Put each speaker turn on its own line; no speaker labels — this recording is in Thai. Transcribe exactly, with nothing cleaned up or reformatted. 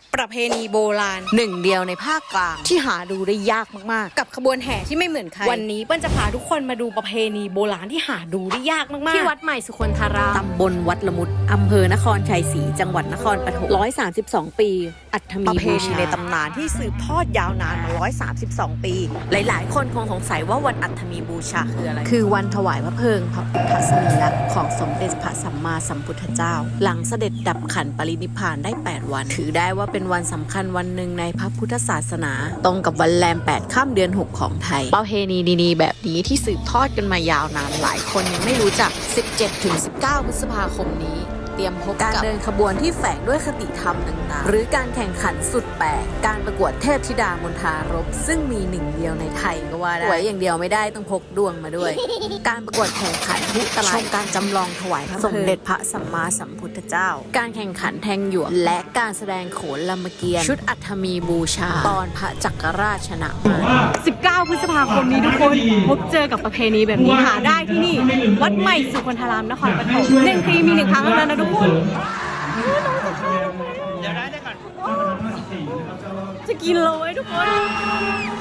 ประเพณีโบราณหนึ่งเดียวในภาคกลางที่หาดูได้ยากมากๆกับขบวนแห่ที่ไม่เหมือนใครวันนี้เปิ้ลจะพาทุกคนมาดูประเพณีโบราณที่หาดูได้ยากมากๆที่วัดใหม่สุคนธารามตำบลวัดละมุดอำเภอนครชัยศรีจังหวัดนครปฐมหนึ่งร้อยสามสิบสองปีอัฐมีประเพณีในตำนานที่สืบทอดยาวนานมาหนึ่งร้อยสามสิบสองปีหลายๆคนคงสงสัยว่าวันอัฐมีบูชาคืออะไรคือวันถวายพระเพลิงพระพุทธสรีระของสมเด็จพระสัมมาสัมพุทธเจ้าหลังเสด็จดับขันปรินิพพานได้แปดวันถือได้ว่าเป็นวันสำคัญวันหนึ่งในพระพุทธศาสนาตรงกับวันแรมแปดค่ำเดือนหกของไทยประเพณีดีๆแบบนี้ที่สืบทอดกันมายาวนานหลายคนยังไม่รู้จัก สิบเจ็ดถึงสิบเก้า พฤษภาคมนี้เตรียมพบกับการเดินขบวนที่แฝงด้วยคติธรรมต่างๆหรือการแข่งขันสุดแปลกการประกวดเทพธิดามณฑารพซึ่งมีหนึ่งเดียวในไทยก็ว่าได้ไว้อย่างเดียวไม่ได้ต้องพกดวงมาด้วย การประกวดแข่งขันพุตลาชมการจำลองถวายพระสมเด็จพระสัมมาสัมพุทธเจ้าการแข่งขันแทงหยวกและการแสดงโขนลำเกียรติชุดอัฐมีบูชาตอนพระจักรราชชนะมารสิบเก้า พฤษภาคมนี้ทุกคนพบเจอกับประเพณีแบบนี้หาได้ที่นี่วัดใหม่สุคนธารามนครปฐมหนึ่งปีมีหนึ่งครั้งเท่านั้นนะทุกคนเดี๋ยวได้ได้ก่อนจะกินเลยทุกคน